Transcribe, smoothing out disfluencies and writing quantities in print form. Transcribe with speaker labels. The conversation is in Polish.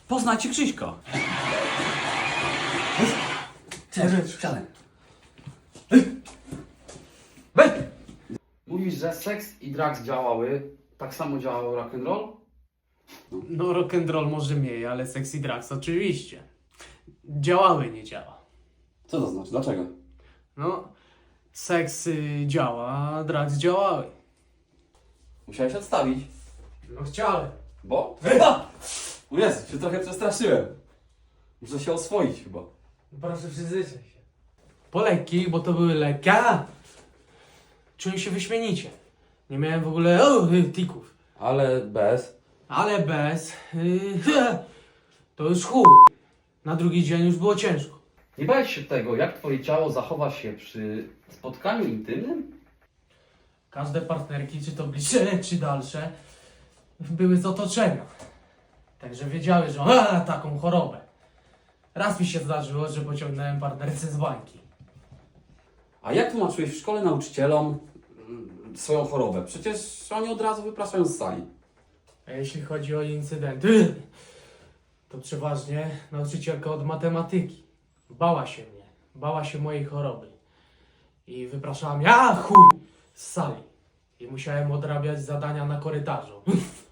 Speaker 1: Poznajcie Krzyśka.
Speaker 2: Cześć, siadaj.
Speaker 1: Mówisz, że seks i drugs działały, tak samo działał rock'n'roll?
Speaker 3: No rock'n'roll może mniej, ale sexy drugs oczywiście. Działały, nie działa.
Speaker 2: Co to znaczy? Dlaczego?
Speaker 3: No, seks działa, a drugs działały.
Speaker 2: Musiałeś odstawić.
Speaker 3: No chciałem.
Speaker 2: Bo? O Jezu, się trochę przestraszyłem. Muszę się oswoić chyba.
Speaker 3: Proszę przyzwyczaj się. Po lekkich, bo to były lekkie. Czułem się wyśmienicie. Nie miałem w ogóle tików.
Speaker 2: Ale bez.
Speaker 3: Ale bez... to już chuj. Na drugi dzień już było ciężko.
Speaker 1: Nie bałeś się tego, jak twoje ciało zachowa się przy spotkaniu intymnym?
Speaker 3: Każde partnerki, czy to bliższe, czy dalsze, były z otoczenia. Także wiedziały, że mam taką chorobę. Raz mi się zdarzyło, że pociągnąłem partnerce z bańki.
Speaker 2: A jak tłumaczyłeś w szkole nauczycielom swoją chorobę? Przecież oni od razu wypraszają z sali.
Speaker 3: A jeśli chodzi o incydenty, to przeważnie nauczycielka od matematyki. Bała się mnie. Bała się mojej choroby. I wypraszała mnie, chuj, z sali. I musiałem odrabiać zadania na korytarzu.